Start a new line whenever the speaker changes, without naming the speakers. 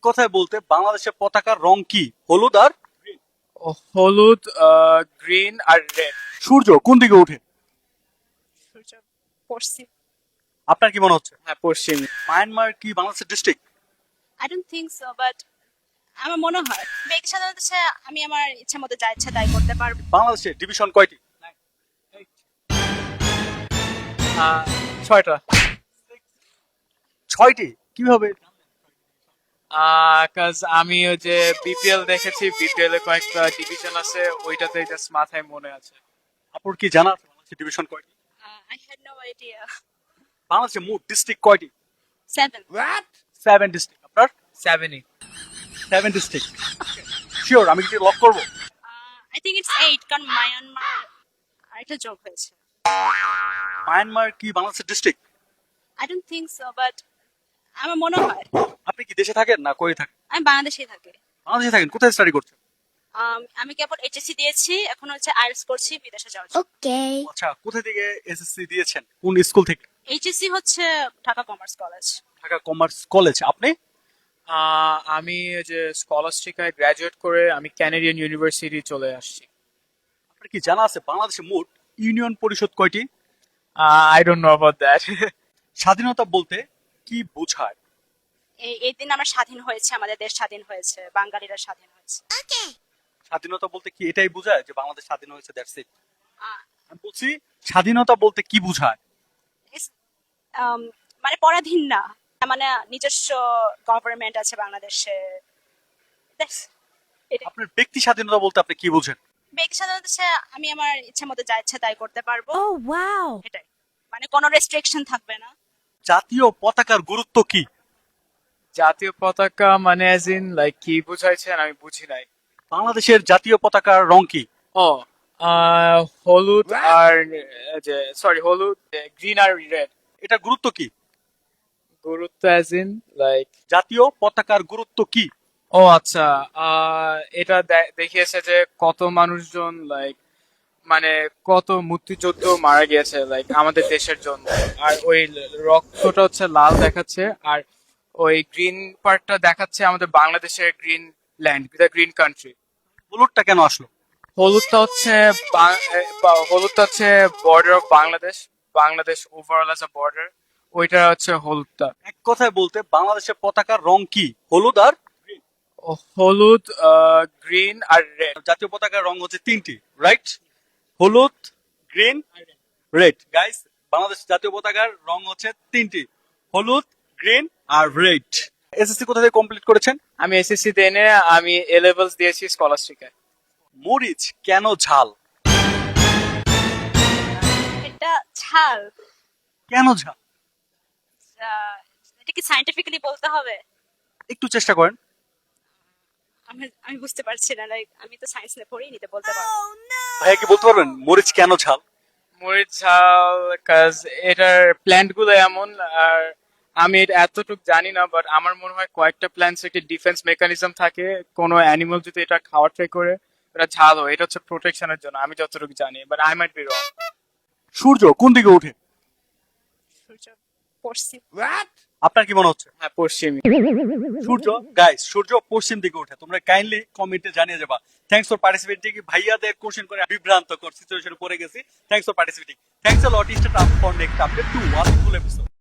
কথায় বলতে বাংলাদেশের পতাকার রং কি? হলুদ আর
হলুদ, গ্রিন আর রেড।
সূর্য কোন দিকে ওঠে?
সূর্য পশ্চিম।
আপনার কি মনে হচ্ছে?
হ্যাঁ, পশ্চিম।
মায়ানমার কি বাংলাদেশের district?
I don't think so, but আমার মনে হয় ব্যক্তি স্বাধীনতা হচ্ছে আমি আমার ইচ্ছা মতো যা ইচ্ছা তাই করতে পারবো।
বাংলাদেশের ডিভিশন কয়টি?
6টা।
6টি। কিভাবে?
কাজ আমি ওই যে বিপিএল দেখেছি, বিপিএল এ কয়েকটা ডিভিশন আছে, ওইটাতে জাস্ট মাথায় মনে আছে।
আপনার কি জানা আছে বাংলাদেশের ডিভিশন কয়টি?
I had no idea.
বাংলাদেশের মোট ডিস্ট্রিক্ট কয়টি?
7।
7 ডিস্ট্রিক্ট। আপনার
7ই।
7 ডিস্ট্রিক্ট। শিওর আমি কি লক করব?
আই থিংক ইটস 8 কারণ মায়ানমার আরেকটা যোগ হয়েছে।
মায়ানমার কি বাংলাদেশের district?
I don't think so, but আমার মনে হয়
আপনি কি দেশে থাকেন না কই থাকেন?
আমি বাংলাদেশেই থাকি।
বাংলাদেশে থাকেন। কোথায় স্টাডি করছেন?
আমি কেবল এইচএসসি দিয়েছি, এখন হচ্ছে আইএলটিএস করছি বিদেশে যাওয়ার জন্য।
আচ্ছা, কোথা থেকে এসএসসি দিয়েছেন? কোন স্কুল থেকে?
এইচএসসি হচ্ছে Dhaka commerce college.
Dhaka commerce college. আপনি?
আমি ওই যে স্কলাস্টিকায় গ্রাজুয়েট করে আমি ক্যানাডিয়ান ইউনিভার্সিটি চলে আসছি।
আপনার কি জানা আছে বাংলাদেশে মোট ইউনিয়ন পরিষদ কয়টি?
I don't know about that.
স্বাধীনতা বলতে কি বোঝায়?
এই দিন আমরা স্বাধীন হয়েছে, আমাদের দেশ স্বাধীন হয়েছে, বাঙালিরা স্বাধীন হয়েছে।
স্বাধীনতা বলতে কি এটাই বোঝায় যে বাংলাদেশ স্বাধীন হয়েছে, দ্যাটস ইট?
আহ,
আমি বলছি স্বাধীনতা বলতে কি বোঝায়?
মানে পরাধীন না, মানে নিজস্ব গভর্নমেন্ট আছে বাংলাদেশে। That's it.
আপনার ব্যক্তি স্বাধীনতা বলতে আপনি কি বোঝেন?
ব্যক্তি স্বাধীনতা হচ্ছে আমি আমার ইচ্ছা মতো যা ইচ্ছা তাই করতে পারবো।
Oh, wow.
এটাই, মানে কোনো রেস্ট্রিকশন থাকবে না।
জাতীয় পতাকার গুরুত্ব কি?
জাতীয় পতাকা মানে অ্যাজ ইন লাইক কি বুঝাইছেন আমি বুঝি নাই।
বাংলাদেশের জাতীয় পতাকার রং কি?
ও, হলুদ আর যে সরি হলুদ, গ্রিন আর রেড।
এটা গুরুত্ব কি?
গুরুত্ব অ্যাজ ইন লাইক।
জাতীয় পতাকার গুরুত্ব কি?
ও আচ্ছা, এটা দেখিয়েছে যে কত মানুষজন লাইক মানে কত মুক্তিযুদ্ধ মারা গিয়েছে লাইক আমাদের দেশের জন্য। আর ওই রক্তটা হচ্ছে লাল দেখাচ্ছে, আর ওই গ্রিন পার্টটা দেখাচ্ছে আমাদের বাংলাদেশের green land, the green country.
হলুদটা কেন আসলো?
হলুদটা হচ্ছে border of Bangladesh, Bangladesh overall as a border, ওইটা হচ্ছে হলুদটা।
এক কথায় বলতে বাংলাদেশের পতাকার রং কি? হলুদ আর
হলুদ, গ্রিন আর রেড।
জাতীয় পতাকার রং হচ্ছে 3টি, রাইট? হলুদ, গ্রিন, রেড। গাইস, বাংলাদেশ জাতীয় পতাকার রং হচ্ছে 3টি, হলুদ, গ্রিন আর রেড। এসএসসি কোথা থেকে কমপ্লিট করেছেন?
আমি এসএসসি দেনে আমি এ লেভেলস দিয়েছি স্কলাস্টিকায়।
মরিচ কেন ঝাল?
এটা ঝাল।
কেন ঝাল?
এটা কি সায়েন্টিফিক্যালি বলতে হবে?
একটু চেষ্টা করেন।
আমি বুঝতে পারছি না, লাইক আমি তো সায়েন্স নিয়ে পড়িনি, তো বলতে পারবো।
ভাইয়া কি বলতে পারবেন মরিচ কেন ঝাল?
মরিচ ঝাল কাজ এটার প্ল্যান্ট গুলো এমন, আর আমি এটা এতটুকু জানি না, বাট আমার মনে হয় কয়েকটা প্ল্যান্টস একটা ডিফেন্স মেকানিজম থাকে, কোনো অ্যানিমাল যদি এটা খাওয়ার ট্রাই করে এটা ঝাল হয়, এটা হচ্ছে প্রোটেকশনের জন্য, আমি যতটুকু জানি, but I might be wrong.
সূর্য কোন দিকে ওঠে?
সূর্য পশ্চিম।
আপনার কি মনে হচ্ছে?
হ্যাঁ, পশ্চিমী।
সূর্য, গাইস, সূর্য পশ্চিম দিকে ওঠে। তোমরা কাইন্ডলি কমেন্টে জানিয়ে যাবা। Thanks for participating. ভাইয়াদের কোশ্চেন করে বিভ্রান্তকর সিচুয়েশনে পড়ে গেছি। Thanks for participating. Thanks a lot. Stay টাপ for next update to watch full episode.